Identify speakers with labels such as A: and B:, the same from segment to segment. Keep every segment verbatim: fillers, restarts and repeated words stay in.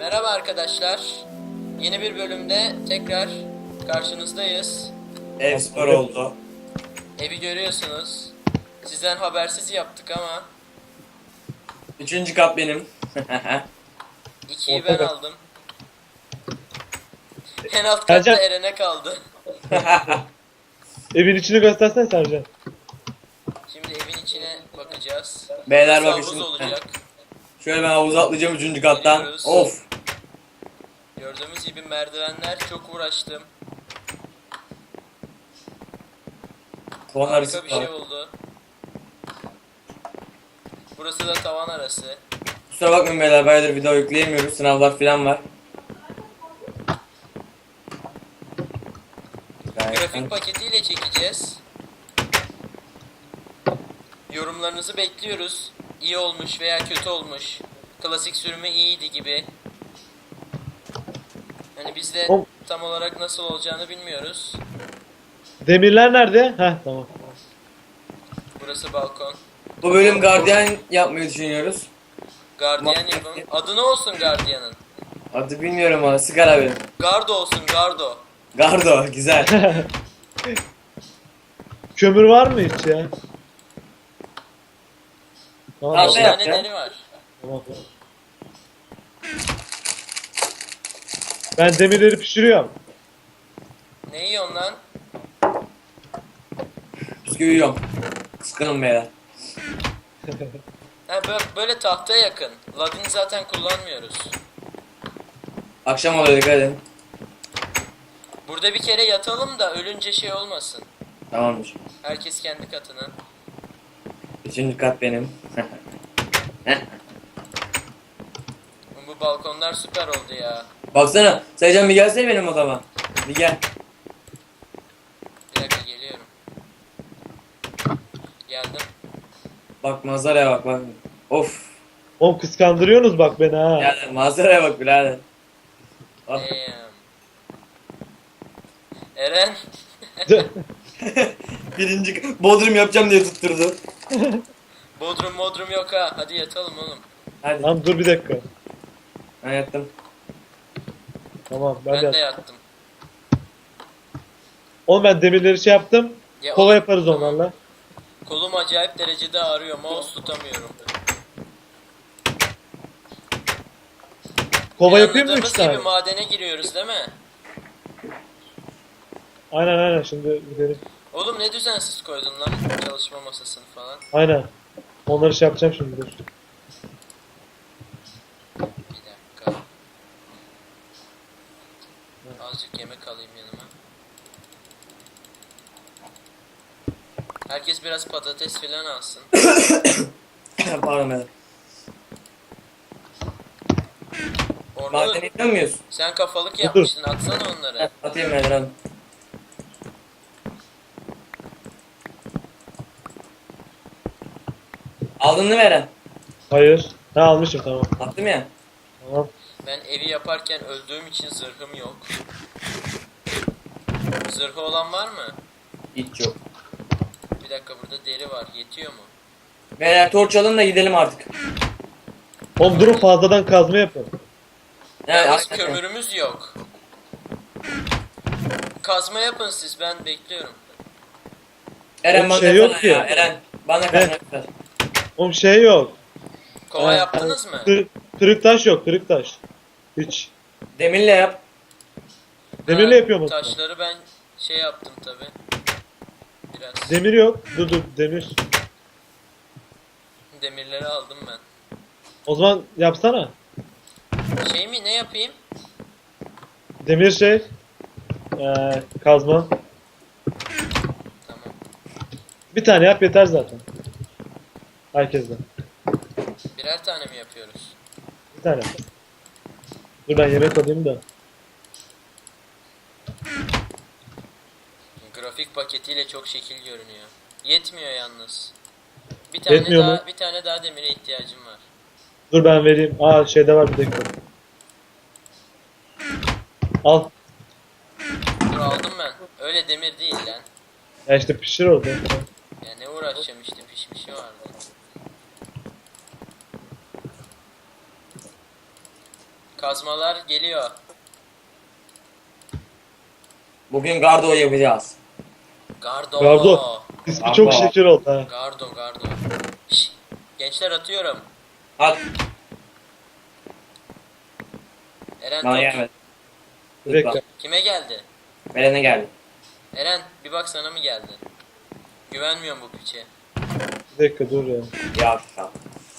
A: Merhaba arkadaşlar. Yeni bir bölümde tekrar karşınızdayız.
B: Ev spor oldu.
A: Evi görüyorsunuz. Sizden habersiz yaptık ama
B: Üçüncü kat benim.
A: ikiyi ben aldım. En alt katta
C: Sercan.
A: Eren'e kaldı.
C: Evin içini göstersene Sercan.
A: Şimdi evin içine bakacağız.
B: Beyler
A: Burası
B: bakın
A: havuz
B: şimdi.
A: olacak.
B: Şöyle ben havuza atlayacağım üçüncü kattan.
A: Geliyoruz.
B: Of.
A: Gördüğümüz gibi merdivenler, çok uğraştım.
B: Puan arası
A: Harika bir şey
B: var.
A: oldu. Burası da tavan arası.
B: Kusura bakmayın beyler, bayağıdır video yükleyemiyoruz. Sınavlar falan var.
A: Grafik paketiyle çekeceğiz. Yorumlarınızı bekliyoruz. İyi olmuş veya kötü olmuş. Klasik sürümü iyiydi gibi. Hani biz de
C: O-
A: tam olarak nasıl olacağını bilmiyoruz.
C: Demirler nerede? Heh tamam.
A: Burası balkon.
B: Bu bölüm gardiyan yapmayı düşünüyoruz.
A: Gardiyan yapın. Adı ne olsun gardiyanın?
B: Adı bilmiyorum ama sigara benim.
A: Gardo olsun, gardo.
B: Gardo güzel.
C: Kömür var mı hiç ya? Tamam.
B: Abi,
A: Beş
B: ne
A: tane
B: yapacağım?
A: deri var.
C: Tamam. Ben demirleri pişiriyorum.
A: Ne yiyorsun lan?
B: Bisküvi yiyorum. Kıskanın beyler.
A: Ha, böyle, böyle tahtaya yakın. Ladin zaten kullanmıyoruz.
B: Akşam oluyor, dikkat edin.
A: Burada bir kere yatalım da ölünce şey olmasın.
B: Tamamdır.
A: Herkes kendi katına.
B: Üçüncü kat benim.
A: Bu balkonlar süper oldu ya.
B: Baksana. Saycan bir gelsene benim odama. Bir gel.
A: Bir dakika geliyorum. Geldim.
B: Bak manzaraya bak bak. Of.
C: Oğlum kıskandırıyorsunuz bak beni ha.
B: Birader manzaraya bak birader. Ah.
A: Damn. Eren.
B: Birinci Bodrum yapacağım diye tutturdu.
A: Bodrum modrum yok ha. Hadi yatalım oğlum.
B: Hadi.
C: Lan dur bir dakika.
B: Ben yattım.
C: Tamam ben,
A: Ben,
C: de.
A: de yattım.
C: Oğlum ben demirleri şey yaptım.
A: Ya
C: Kova
A: oğlum,
C: yaparız
A: tamam.
C: onlarla.
A: Kolum acayip derecede ağrıyor. Mouse tutamıyorum.
C: Kova yapayım mı
A: Planladığımız
C: üç tane?
A: gibi madene giriyoruz değil mi?
C: Aynen aynen şimdi gidelim.
A: Oğlum ne düzensiz koydun lan çalışma masasını falan.
C: Aynen. Onları şey yapacağım şimdi dur.
A: Bir dakika. Azıcık yemek alayım yanıma. Herkes biraz patates filan alsın.
B: Pardon beyler.
A: Orada
B: Madene iniyor muyuz?
A: sen kafalık
C: Dur.
A: yapmıştın, atsana onları.
B: Atayım beyler hadi. Aldın mı Eren?
C: Hayır. Ha almışım tamam.
B: Attım ya.
C: Tamam.
A: Ben evi yaparken öldüğüm için zırhım yok. Zırhı olan var mı?
B: Hiç yok.
A: Bir dakika, burada deri var. Yetiyor mu?
B: Beyler torç alın da gidelim artık.
C: Oğlum durun fazladan kazma yapın.
B: Yani,
A: Yalnız
B: hakikaten.
A: kömürümüz yok. Kazma yapın siz, ben bekliyorum.
B: Eren
C: Oğlum
B: bana
C: şey
B: şey
C: yok ki.
B: ya. Eren bana
C: He.
B: kazma ver.
C: Oğlum şey yok.
A: Kova
C: Ha,
A: yaptınız mı?
C: Kır, kırık taş yok kırık taş. Hiç.
B: Demirle yap.
C: Demirle
A: Ha,
C: yapıyor musun?
A: Taşları ben şey yaptım tabi. Biraz.
C: Demir yok. Dur dur demir.
A: Demirleri aldım ben.
C: O zaman yapsana.
A: Şey mi, ne yapayım?
C: Demir şey. Ee, kazma.
A: Tamam.
C: Bir tane yap yeter zaten. Herkesten.
A: Birer tane mi yapıyoruz?
C: Bir tane. Dur ben yemek alayım da.
A: Grafik paketiyle çok şekil görünüyor. Yetmiyor yalnız. Bir tane
C: Yetmiyor
A: daha
C: mu?
A: bir tane daha demire ihtiyacım var.
C: Dur ben vereyim. Aa şeyde var bir dakika. Al.
A: Dur, aldım ben. Öyle demir değil lan.
C: Ya işte pişir orada.
A: Ya ne uğraşacağım, işte pişmişi vardı. Kazmalar geliyor.
B: Bugün gardo yapacağız.
A: Gardo.
C: Gardo. İsmi çok
B: Gardo.
C: şeker oldu ha.
A: Gardo, gardo. Şş, gençler atıyorum.
B: At.
A: Eren
B: Bana
A: top.
B: gelmedi.
C: Bir dakika.
A: Kime geldi?
B: Belen'e geldi.
A: Eren bir bak sana mı geldi? Güvenmiyorum bu piçe.
C: Bir dakika dur ya.
B: Ya tamam.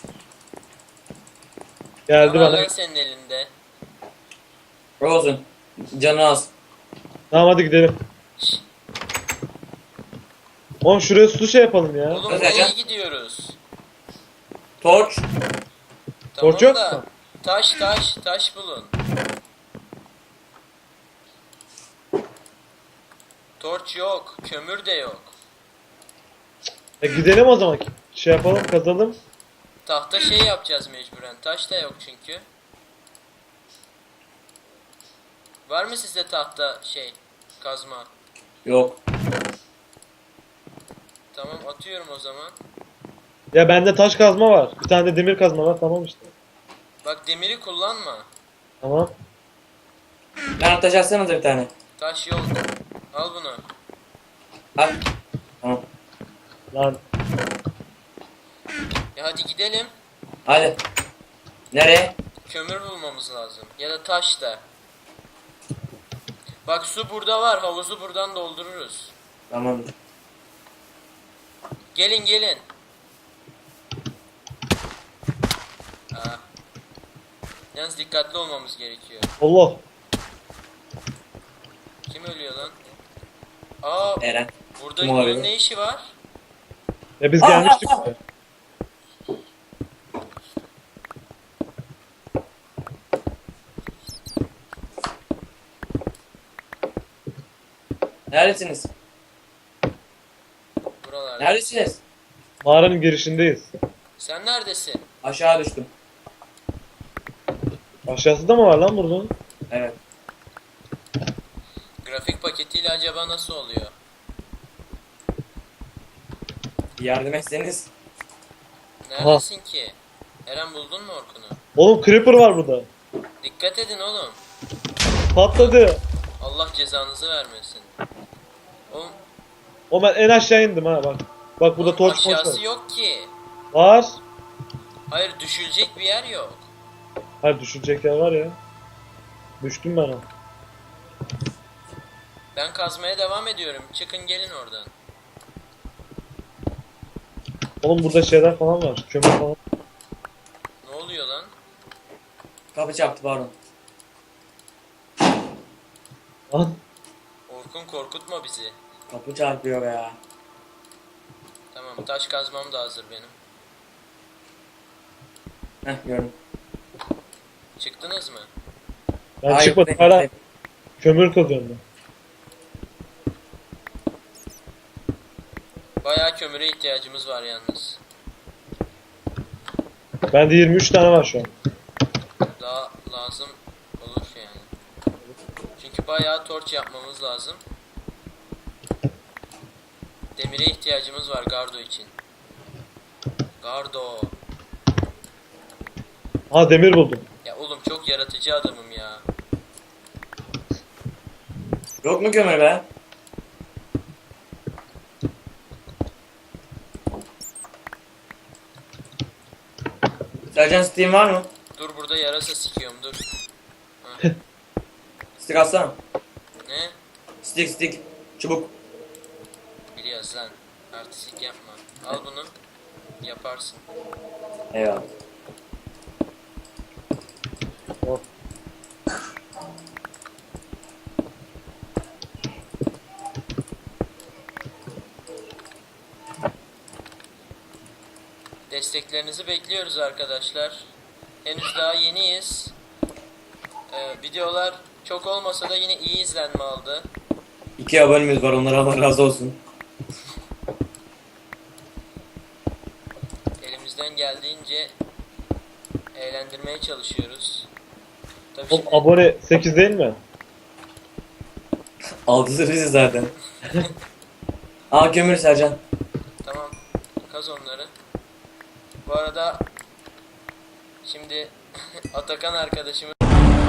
C: Geldi
A: Ne var
C: bana.
A: lan senin elinde?
B: Olsun. Canı az.
C: Tamam hadi gidelim.
A: Şş,
C: Oğlum şuraya su şey yapalım ya.
A: oğlum
B: Hadi
A: nereye
B: Eren.
A: gidiyoruz?
B: Torç.
A: Tamam
C: Torç yok
A: da
C: mu?
A: taş taş taş bulun. Torç yok, kömür de yok.
C: E gidelim o zaman. Şey yapalım kazalım.
A: Tahta şey yapacağız mecburen. Taş da yok çünkü. Var mı sizde tahta şey kazma?
B: Yok.
A: Tamam atıyorum o zaman.
C: Ya bende taş kazma var. Bir tane de demir kazma var. Tamam işte.
A: Bak demiri kullanma.
C: Tamam.
B: Lan taş atsanıza bir tane.
A: Taş yok. Al bunu.
B: Al. Tamam.
C: Lan
A: Ya hadi gidelim.
B: Hadi. Nereye?
A: Kömür bulmamız lazım. Ya da taş da. Bak su burada var. Havuzu buradan doldururuz.
B: Tamam.
A: Gelin gelin. Aa. Yalnız dikkatli olmamız gerekiyor.
C: Allah.
A: Kim ölüyor lan? Aa,
B: Eren.
A: burada
B: Kim
A: bunun
B: olabilir?
A: ne işi var?
C: Ya biz
B: Aa,
C: gelmiştik.
B: aa, aa.
C: buraya.
B: Neredesiniz?
A: Buralarda.
B: Neredesiniz?
C: Mağaranın girişindeyiz.
A: Sen neredesin?
B: Aşağı düştüm.
C: Aşağısı da mı var lan buradan?
B: Evet.
A: Grafik paketiyle acaba nasıl oluyor?
B: Bir yardım etseniz.
A: Neredesin ki? Eren buldun mu Orkun'u?
C: Oğlum creeper var burada.
A: Dikkat edin oğlum.
C: Patladı.
A: Allah cezanızı vermesin. Oğlum
C: O ben en aşağı indim ha bak. Bak burada
A: oğlum
C: torç torç
A: aşağısı
C: var.
A: yok ki.
C: Var.
A: Hayır düşülecek bir yer yok.
C: Hayır düşecek yer var ya. Düştüm ben ha.
A: Ben kazmaya devam ediyorum. Çıkın gelin oradan.
C: Oğlum burada şeyler falan var. Kömür falan.
A: Ne oluyor lan?
B: Kapı çarptı pardon.
C: Lan.
A: Orkun korkutma bizi.
B: Kapı çarpıyor ya.
A: Tamam taş kazmam da hazır benim.
B: Heh gördüm.
A: Çıktınız mı?
C: Ben
B: Hayır,
C: çıkmadım
B: ben-
C: hala kömür kazıyorum ben.
A: Bayağı kömüre ihtiyacımız var yalnız.
C: Bende yirmi üç tane var şu an.
A: Daha lazım olur yani. Çünkü bayağı torç yapmamız lazım. Demire ihtiyacımız var Gardo için. Gardo.
C: Ha demir buldum.
A: Ya oğlum çok yaratıcı adamım ya.
B: Yok mu kömür be? Sercan Steam var mı?
A: Dur burada yarasa sikiyorum dur.
B: Stick atsana.
A: Ne?
B: Stick stick. Çubuk.
A: Biliyoruz lan. Artistik yapma. Al bunu. Yaparsın.
B: Eyvallah.
C: Hop.
A: Desteklerinizi bekliyoruz arkadaşlar. Henüz daha yeniyiz. Ee, videolar çok olmasa da yine iyi izlenme aldı.
B: İki abonemiz var, onlara Allah razı olsun.
A: Elimizden geldiğince eğlendirmeye çalışıyoruz. Tabii
C: Oğlum
A: şimdi
C: abone sekiz değil mi?
B: Altısı biziz zaten. Aa kömür Sercan.
A: tamam kaz onları. Bu arada şimdi Atakan arkadaşımız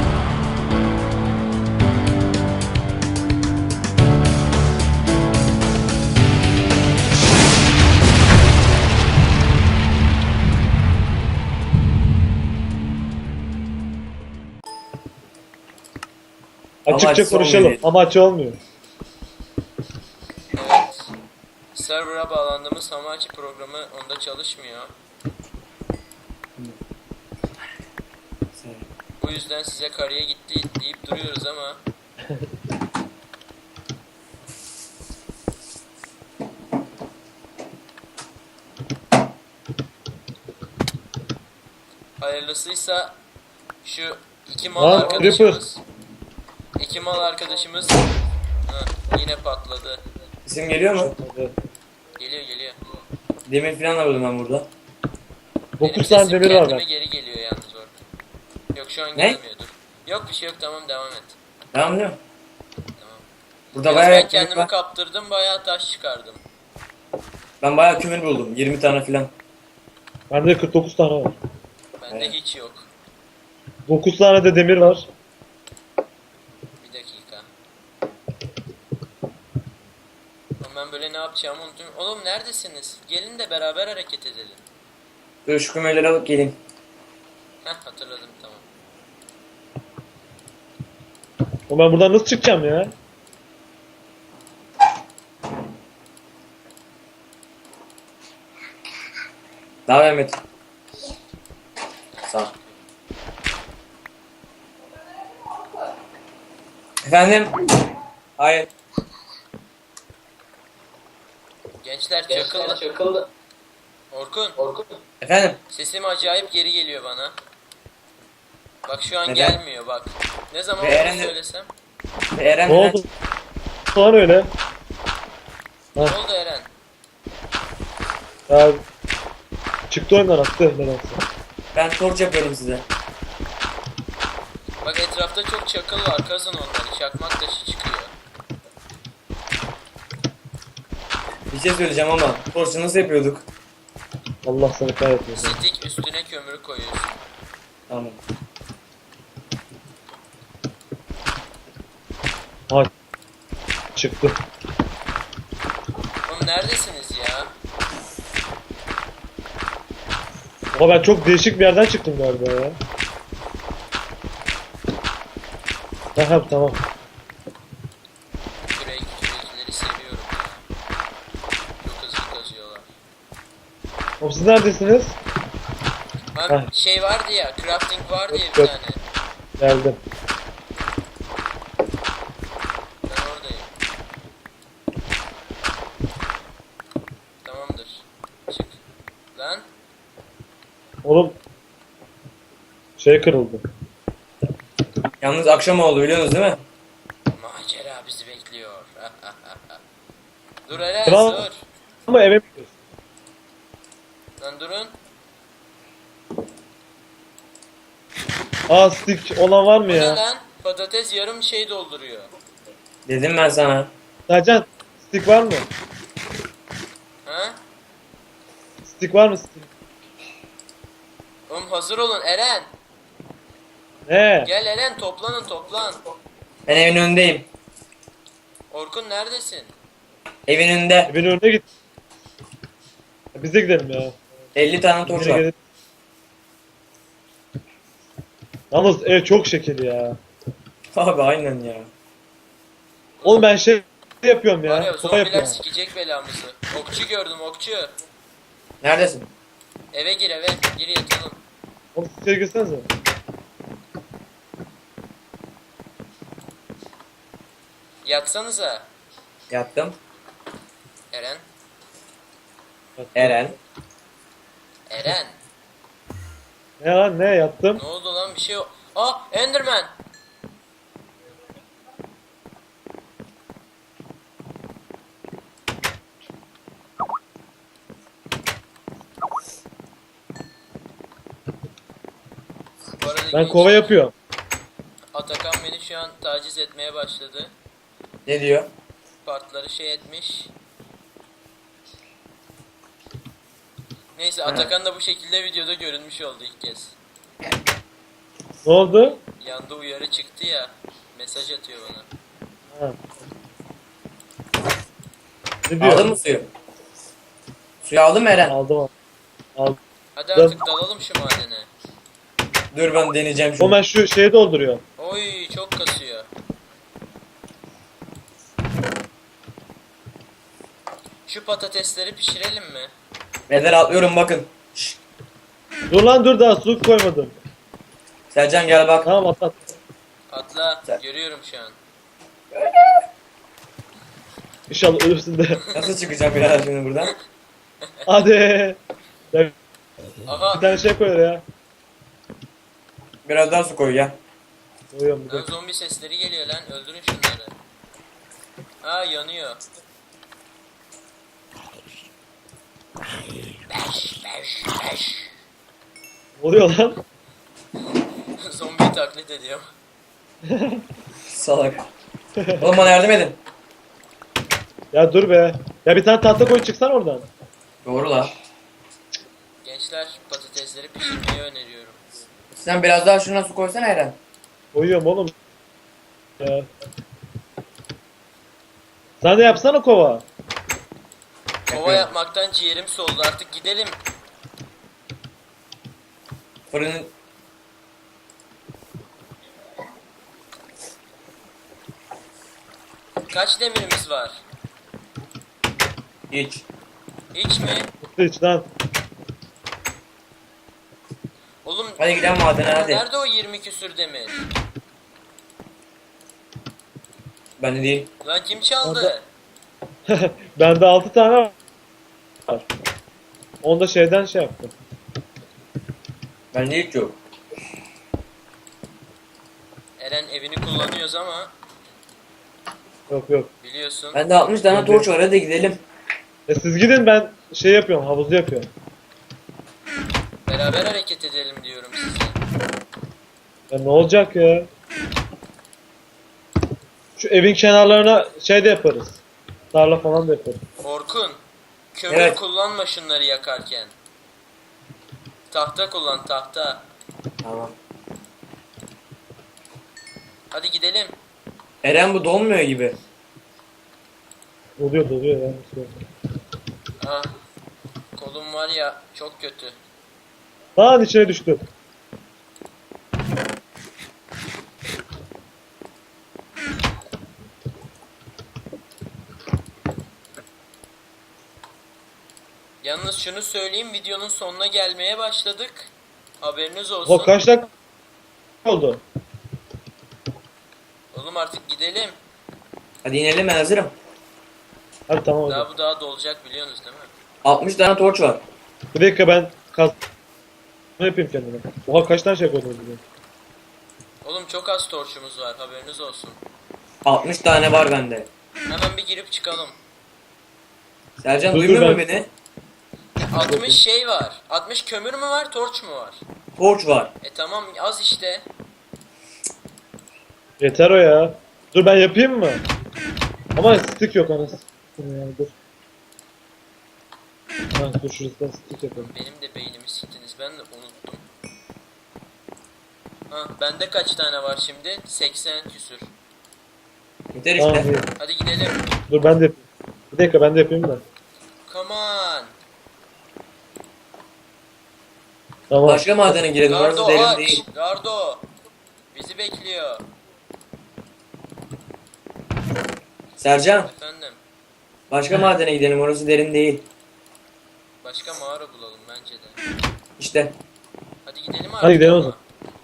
C: Açıkça
B: açısı
C: konuşalım
B: olmuyor.
C: ama açı olmuyor.
A: Evet. Server'a bağlandığımız Hamachi programı onda çalışmıyor. Bu yüzden size karıya gitti deyip duruyoruz ama hayırlısıysa şu iki mal
C: Lan,
A: arkadaşımız iki mal arkadaşımız Hı, yine patladı.
B: İsim geliyor mu?
C: Hadi.
A: Geliyor geliyor.
B: Demir falan alıyordum ben burada.
A: Benim
C: dokuz tane
A: sesim
C: demir var
A: kendime
C: ben.
A: geri geliyor yalnız orada. Yok şu an
B: Ne?
A: gelmiyordur. Yok bir şey yok, tamam devam et.
B: Devam ediyor.
A: Tamam.
B: Burada
A: Yalnız
B: bayağı
A: ben
B: ekmek
A: kendimi
B: var.
A: kaptırdım, bayağı taş çıkardım.
B: Ben bayağı kömür buldum. yirmi tane falan.
C: Bende kırk dokuz tane var.
A: Bende
B: Evet.
A: hiç yok.
C: dokuz tane de demir var.
A: Bir dakika. Oğlum ben böyle ne yapacağımı unuttum. Oğlum neredesiniz? Gelin de beraber hareket edelim.
B: Dur şu kömürleri alıp geleyim.
A: Heh hatırladım, tamam.
C: O ben buradan nasıl çıkacağım ya?
B: Devam et. Sağ ol. Efendim? Hayır.
A: Gençler çakıldı.
D: Çakıldı.
A: Orkun,
D: Orkun.
B: Efendim?
A: sesim acayip geri geliyor bana. Bak şu an
B: Neden?
A: gelmiyor bak. Ne zaman
B: Ve
A: onu
B: Eren de-
A: söylesem?
B: Ve Eren
C: Ne oldu? Lan öyle.
A: Ne oldu Eren?
C: Ya çıktı oyundan attı nedense.
B: Ben torç yapıyorum size.
A: Bak etrafta çok çakıl var, kazın onları. Çakmak taşı çıkıyor.
B: Bir şey söyleyeceğim ama torçu nasıl yapıyorduk?
C: Allah seni kahretmesin.
A: Stik üstüne kömürü koyuyorsun.
B: Tamam.
C: Ha çıktı.
A: Oğlum neredesiniz ya?
C: Ama ben çok değişik bir yerden çıktım galiba ya. Aha tamam.
A: Kürek, kürekleri seviyorum ya. Çok hızlı kazıyorlar.
C: Oğlum siz neredesiniz?
A: Abi
C: Heh.
A: şey vardı ya, crafting vardı ya bir
C: Yok.
A: tane.
C: Geldim.
A: Ben oradayım. Tamamdır. Çık. Lan.
C: Oğlum şey kırıldı.
B: Yalnız akşam oldu biliyorsunuz değil mi?
A: Macera bizi bekliyor. Dur Eren
C: Kral-
A: dur.
C: Ama eve mi gidiyorsun?
A: Lan durun.
C: Aa stick olan var mı
A: Bu ne
C: ya?
A: lan? Patates yarım şey dolduruyor.
B: Dedim ben sana.
C: Sercan stick var mı?
A: Ha?
C: Stick var mı stick?
A: Oğlum hazır olun Eren.
C: Ne?
A: Gel Eren, toplanın toplan.
B: Ben evin önündeyim.
A: Orkun neredesin?
B: Evin önünde
C: Evin önüne git. Biz de gidelim ya.
B: elli tane torç
C: Biz de
B: var.
C: gidelim. Yalnız ev çok şekil ya.
B: Abi aynen ya.
C: Oğlum ben şey yapıyorum
A: Var ya
C: ya. Sopa
A: zombiler
C: yapıyorum.
A: sikecek belamızı. Okçu gördüm okçu.
B: Neredesin?
A: Eve gir eve. Gir yatalım.
C: Oğlum siz içeri girsenize.
A: Yatsanıza.
B: Yattım.
A: Eren.
B: Eren.
A: Eren.
C: Ne lan ne yattım?
A: Ne oldu lan, bir şey yok. Aa Enderman. Bu arada
C: Ben
A: genç-
C: kova yapıyorum.
A: Atakan beni şu an taciz etmeye başladı.
B: Ne diyor?
A: Partları şey etmiş. Neyse Atakan da bu şekilde videoda görünmüş oldu ilk kez.
C: Ne oldu?
A: Yanda uyarı çıktı ya. Mesaj atıyor bana.
C: Ha. Ne diyor?
B: Aldın mı suyu? Suyu aldın mı Eren?
C: Aldım aldım. Aldım.
A: Hadi artık dalalım şu madene.
B: Dur ben deneyeceğim
C: O
B: şunu.
C: ben şu şeyi dolduruyor.
A: Oy çok kasıyor. Şu patatesleri pişirelim mi?
B: Beyler atlıyorum bakın. Şşş.
C: Dur lan dur daha su koymadım.
B: Sercan gel bak.
C: Tamam at at.
A: Atla.
B: Sen-
A: Görüyorum şu an.
C: İnşallah ölürsün de.
B: Nasıl çıkacağım birader şimdi buradan?
C: Hadi. Ya, bir
A: Aha.
C: tane şey koy oraya.
B: Biraz daha su koy ya.
C: Koyuyorum bir
A: Lan
C: de.
A: zombi sesleri geliyor lan. Öldürün şunları. Aa yanıyor. Beş, beş, beş.
C: Ne oluyor lan?
A: Zombiyi taklit ediyorum.
B: Salak. Oğlum bana yardım edin.
C: Ya dur be. Ya bir tane tahta koy çıksan oradan.
B: Doğru la.
A: Gençler patatesleri pişirmeyi öneriyorum.
B: Sen biraz daha şuna su koysana Eren.
C: Koyuyorum oğlum. Ya. Sen de yapsana kova.
A: Kova
B: Yapıyorum.
A: yapmaktan ciğerim soldu. Artık gidelim.
B: Fırının...
A: Kaç demirimiz var?
B: Hiç.
A: Hiç mi?
C: Mutlu iç lan.
A: Oğlum
B: Hadi gidelim madene hadi.
A: nerede o yirmi küsür demir?
B: Ben de değil.
A: Lan kim çaldı?
C: Orada- Bende altı tane var. Onda şeyden şey yaptım.
B: Ben de hiç yok.
A: Eren evini kullanıyoruz ama
C: Yok yok.
A: biliyorsun.
B: Bende altmış tane torç var, hadi gidelim.
C: E siz gidin ben şey yapıyorum havuzu yapıyorum.
A: Beraber hareket edelim diyorum size.
C: Ya ne olacak ya? Şu evin kenarlarına şey de yaparız. Tarla falan da yaparız.
A: Orkun, kömür
B: Evet.
A: kullanma şunları yakarken. Tahta kullan, tahta.
B: Tamam.
A: Hadi gidelim.
B: Eren bu donmuyor gibi.
C: Doluyor doluyor ya.
A: Ah, kolum var ya çok kötü.
C: Lan içine düştü.
A: Yalnız şunu söyleyeyim, videonun sonuna gelmeye başladık. Haberiniz olsun.
C: O kaç dakika oldu?
A: Oğlum artık gidelim.
B: Hadi inelim, ben hazırım.
C: Hadi tamam hadi.
A: Daha bu daha dolacak biliyorsunuz değil mi?
B: altmış tane torç var.
C: Bir dakika ben kaz... Ne yapayım kendime? Oha kaç tane şey koydum bugün.
A: Oğlum çok az torçumuz var, haberiniz olsun.
B: altmış tane var bende.
A: Hemen bir girip çıkalım.
B: Sercan
C: Dur,
B: duymuyor
C: dur,
B: mu
C: ben-
B: beni?
A: altmış şey var. altmış kömür mü var, torç mu var?
B: Torç var.
A: E tamam az işte.
C: Yeter o ya. Dur ben yapayım mı? Ama stick yok anasını. Yani dur. Ha dur şurasından stick yapalım.
A: Benim de beynimi siktiniz, ben de unuttum. Ha, bende kaç tane var şimdi? seksen küsür.
B: Yeter
C: Tamam
B: işte.
C: iyi.
A: Hadi gidelim.
C: Dur ben de yapayım. Bir dakika ben de yapayım da.
A: Come on.
C: Tamam.
B: Başka madene girelim, orası
A: Gardo
B: derin
A: aç.
B: değil.
A: Gardo. Bizi bekliyor.
B: Sercan,
A: Efendim.
B: başka madene gidelim, orası derin değil.
A: Başka mağara bulalım bence de.
B: İşte.
A: Hadi gidelim artık.
C: Hadi gidelim o
A: ama.
C: zaman.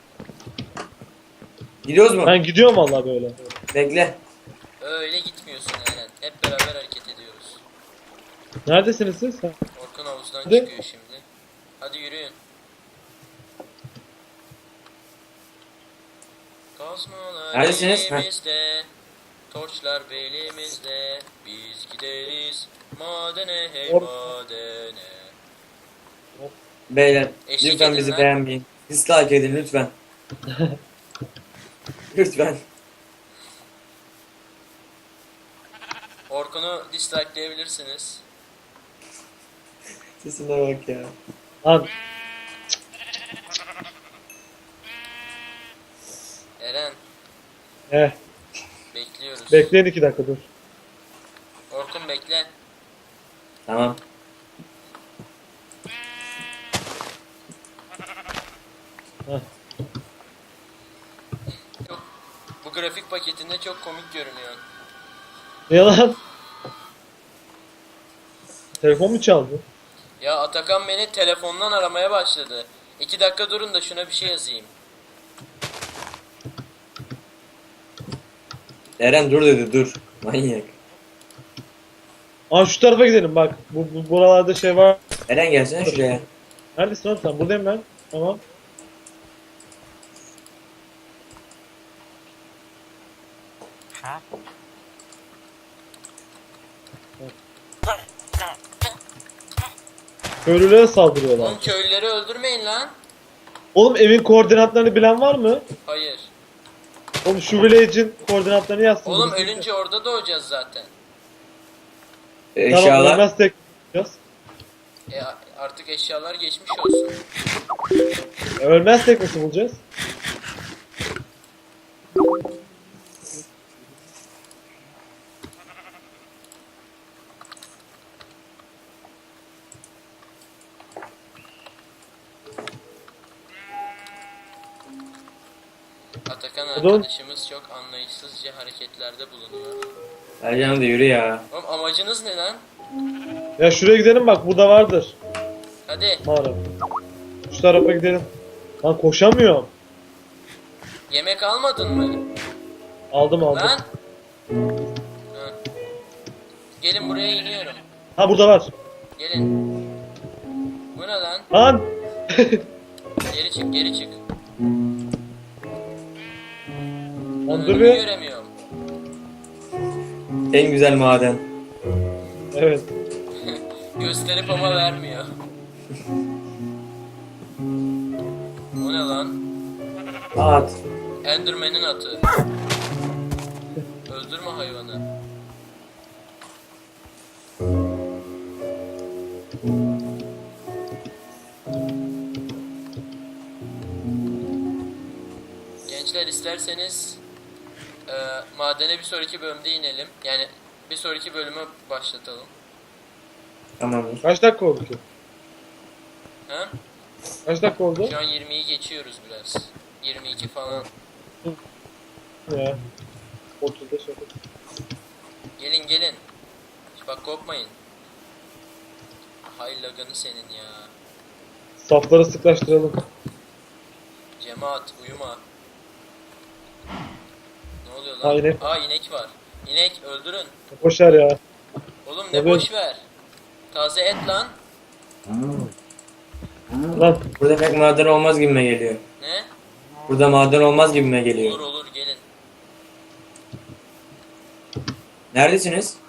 B: Gidiyoruz mu?
C: Ben gidiyorum vallahi böyle.
B: Bekle.
A: Öyle gitmiyorsun Eren. Hep beraber hareket ediyoruz.
C: Neredesiniz siz? Ha.
A: Orkun havuzdan
C: Hadi.
A: çıkıyor şimdi. Hadi yürüyün. Kazmalar
B: Neredesiniz? Ha.
A: elimizde, torçlar belimizde, biz gideriz madene hey
C: Or-
A: madene.
B: Beyler,
A: Eşlik
B: lütfen
A: edin
B: bizi
A: lan.
B: beğenmeyin. Dislike edin lütfen. Lütfen.
A: Orkun'u dislike'leyebilirsiniz.
B: Sesine bak ya.
C: Lan
A: Eren,
C: eh.
A: bekliyoruz.
C: Bekleyin iki dakika dur.
A: Orkun bekle.
B: Tamam.
C: Heh.
A: Çok, bu grafik paketinde çok komik görünüyor.
C: Ne lan? Telefon mu çaldı?
A: Ya Atakan beni telefondan aramaya başladı. İki dakika durun da şuna bir şey yazayım.
B: Eren dur dedi dur. Manyak.
C: Aa şu tarafa gidelim bak. Bu, bu buralarda şey var.
B: Eren gelsene şuraya.
C: Neredesin oğlum sen? Buradayım ben. Tamam. Köylülere saldırıyorlar.
A: Oğlum köylüleri öldürmeyin lan.
C: Oğlum evin koordinatlarını bilen var mı?
A: Hayır.
C: Oğlum şu village'in koordinatlarını yazsın.
A: Oğlum
C: birisi.
A: ölünce orada doğacağız zaten.
B: Ee,
C: Tamam
B: Eşyalar.
C: ölmez tek yapacağız.
A: E artık eşyalar geçmiş olsun.
C: E, ölmez tek nasıl bulacağız?
A: Atakan
C: Oğlum.
A: arkadaşımız çok anlayışsızca hareketlerde bulunuyor.
B: Ercan da yürü ya.
A: Oğlum amacınız ne lan?
C: Ya şuraya gidelim bak burada vardır.
A: Hadi
C: Mağara. Şu tarafa gidelim. Lan koşamıyorum.
A: yemek almadın mı?
C: Aldım aldım.
A: Lan. Hı. Gelin buraya iniyorum.
C: Ha burada var.
A: Gelin. Bu ne lan?
C: Lan.
A: Geri çık geri çık.
C: Lan dur
A: Önümü
C: bir.
A: göremiyorum.
B: En güzel maden.
C: Evet.
A: Gösterip ama vermiyor. Bu ne lan?
B: At.
A: Enderman'in atı. Öldürme hayvanı. Gençler isterseniz e, madene bir sonraki bölümde inelim. Yani bir sonraki bölümü başlatalım.
B: Tamamdır.
C: Kaç dakika oldu ki?
A: Ha?
C: Kaç dakika oldu?
A: Şu an yirmiyi geçiyoruz biraz. yirmi iki falan.
C: Ya. otuz beş dakika.
A: Gelin gelin. Bak korkmayın. Hay laganı senin ya.
C: Safları sıklaştıralım.
A: Cemaat uyuma. Ne oluyor lan?
C: Ha, inek.
A: Aa inek var. İnek öldürün.
C: Koşar ya.
A: Oğlum ne
C: Tabii.
A: boş ver. Taze et lan.
C: Lan.
B: Burada pek maden olmaz gibime geliyor.
A: Ne?
B: Burada maden olmaz gibime geliyor.
A: Olur olur gelin.
B: Neredesiniz?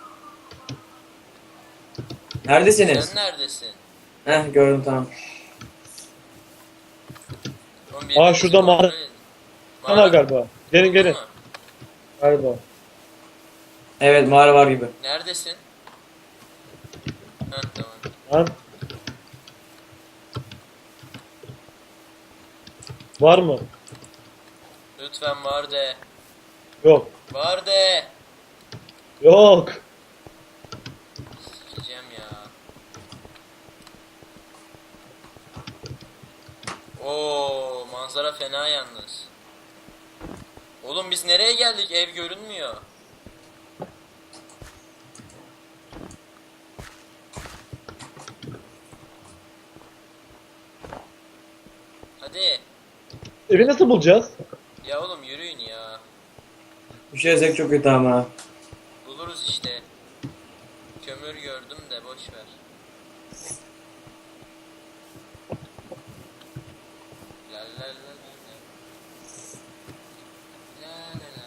B: Neredesiniz?
A: Sen neredesin?
B: Heh gördüm tamam.
A: Oğlum,
C: Aa,
A: birbirinizi
C: şurada mağara-
A: kontrol edin.
C: Tamam galiba. Gelin
A: Buldun
C: gelin.
A: mu?
C: Galiba.
B: Evet mağara var gibi.
A: Neredesin? Heh tamam.
C: Lan. Var mı?
A: Lütfen var de.
C: Yok.
A: Var de.
C: Yok.
A: Sikeceğim ya. Oo manzara fena yalnız. Oğlum biz nereye geldik? Ev görünmüyor. Hadi.
C: Evi nasıl bulacağız?
A: Ya oğlum yürüyün ya.
B: Bir şey yazık çok kötü ama.
A: Buluruz işte. Kömür gördüm de boş ver. La la la la la. La la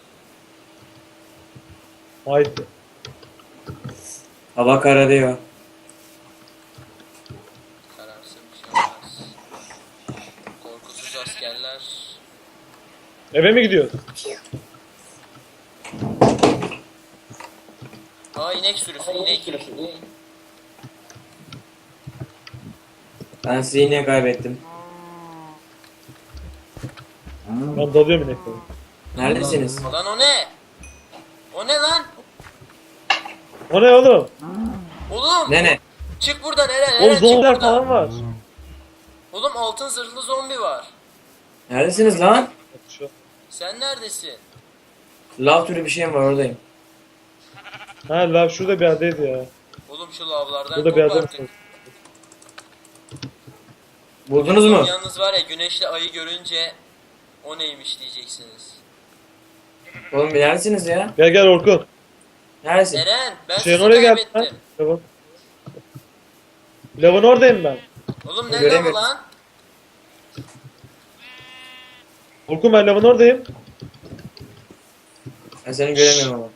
A: la.
C: Haydi.
B: Hava kararıyor.
A: Kararsın bir şey olmaz. Korkusuz askerler.
C: Eve mi gidiyoruz?
A: Aa inek sürüsü inek.
B: Ben sizi yine kaybettim.
C: Ben dalıyorum ineklere.
B: Neredesiniz?
A: Lan o ne? O ne lan?
C: O ne oğlum?
A: Oğlum
B: Ne ne?
A: çık buradan Eren
C: Oğlum
A: Eren çık
C: zombiler
A: buradan.
C: falan var.
A: Oğlum altın zırhlı zombi var.
B: Neredesiniz lan?
C: Şu-
A: Sen neredesin?
B: Lav türü bir şey mi var oradayım.
C: Ha lav şurada bir yerdeydi ya.
A: Oğlum şu lavlardan
C: Burada
A: kop
C: bir adam
A: artık.
B: Buldunuz mu?
A: Yalnız var ya, güneşle ayı görünce o neymiş diyeceksiniz.
B: Oğlum bir neredesiniz ya?
C: Gel gel Orkun.
B: Neredesin?
A: Eren, ben
C: Şeyin
A: sizi
C: oraya gel.
A: kaybettim.
C: Lavın. Lavın oradayım ben.
A: Oğlum ne lavı
B: Göremedim.
A: lan?
C: Orkun ben lavın oradayım.
B: Ben seni göremiyorum ama.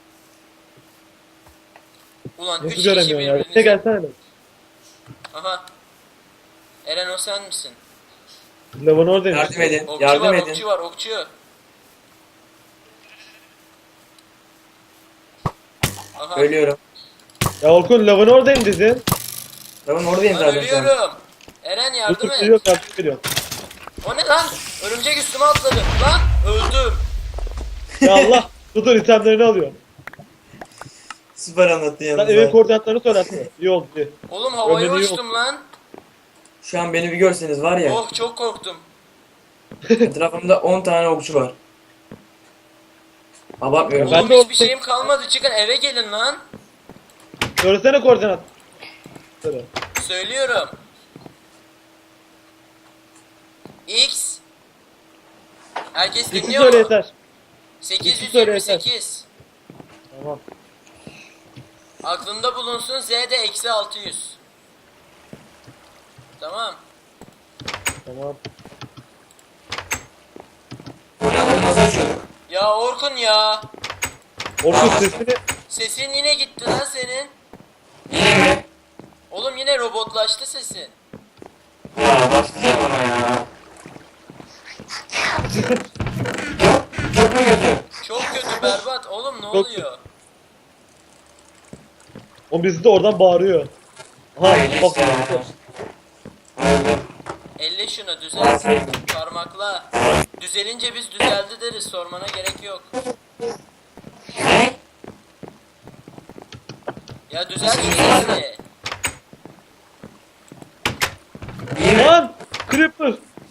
A: Ulan
C: Nasıl
A: üç kişi
C: göremiyorsun ya? Ne
A: birbirinizi...
C: gelsene de.
A: Aha. Eren, o sen misin?
C: Lavın oradayım.
B: Yardım edin.
A: Okçu
B: Yardım
A: var,
B: edin.
A: okçu var, okçu. Aha.
B: Ölüyorum.
C: Ya Orkun lavın oradayım dedin.
B: Tamam oradayım
A: Ben
B: zaten şu an.
A: ölüyorum. Eren yardım
C: Orkun
A: et.
C: geliyor yardım ediyor.
A: O ne lan? Örümcek üstüme atladı. Lan öldüm.
C: Ya Allah. Dur dur itemlerini alıyor.
B: Süper anlattın
C: Sen
B: yalnız.
C: evin
B: ha.
C: koordinatlarını söylersin. İyi oldu iyi.
A: Oğlum havaya
C: Ömrünü yok.
A: uçtum lan.
B: Şu an beni bir görseniz var ya.
A: Oh, çok korktum.
B: Etrafımda on tane okçu var. Abartmıyorum.
C: Ben
A: Oğlum
C: de
A: hiçbir
C: o-
A: şeyim kalmadı. Çıkın eve gelin lan.
C: Söylesene koordinat. Söyle.
A: Söylüyorum. X. Herkes
C: İki
A: dinliyor
C: söyle
A: mu?
C: yeter.
A: sekiz yüz
C: söyle
A: yirmi
C: yeter.
A: sekiz.
C: Tamam.
A: Aklında bulunsun, Z de eksi altı yüz. Tamam.
C: Tamam.
A: Ya Orkun ya.
C: Orkun sesini
A: Sesin yine gitti lan senin. Oğlum yine robotlaştı sesin. Çok kötü, berbat. Oğlum ne
C: Çok
A: oluyor?
C: o bizi de oradan bağırıyor. Aha bak.
A: Elle şunu düzelt. Parmakla. Düzelince biz düzeldi deriz. Sormana gerek yok. Ya düzelt şu sesini.
C: Lan! Creeper!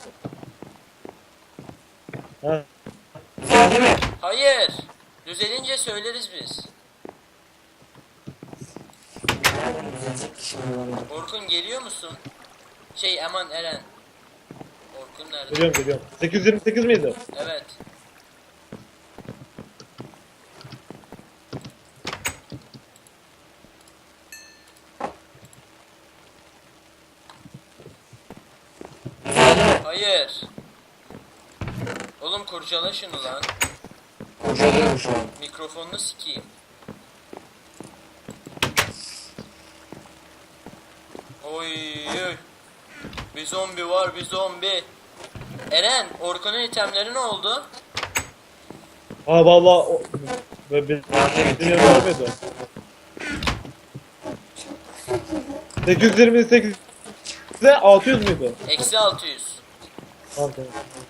C: Ha,
A: Hayır. Düzelince söyleriz biz. Orkun geliyor musun? Şey aman Eren. Orkun nerede?
C: geliyorum geliyorum. sekiz yüz yirmi sekiz miydi?
A: Evet. Hayır. Oğlum kurcala şunu lan.
B: Kurcalıyorum şu an.
A: Mikrofonunu sikeyim. Oy oy. Bir zombi var, bir zombi. Eren, Orkun'un itemleri ne oldu?
C: Ha valla o... Ve bir... Dinleyen var mıydı? sekiz yüz yirmi sekiz de altı yüz müydü?
A: Eksi altı yüz.
C: Tamam tamam.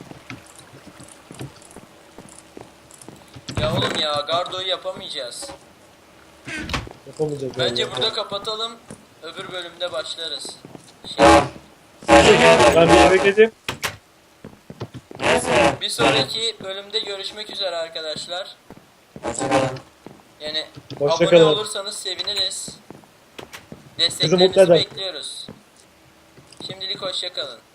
A: Ya oğlum ya, Gardo'yu yapamayacağız.
C: Yapamayacağız.
A: Bence
C: yani.
A: burada kapatalım. Öbür bölümde başlarız. Şey,
C: Ben bir eve gideyim.
A: bir sonraki bölümde görüşmek üzere arkadaşlar. Yani
C: Hoşça
A: abone
C: kalın.
A: olursanız seviniriz.
C: Bizi mutlu
A: Desteklerinizi
C: eder.
A: bekliyoruz. Şimdilik hoşça kalın.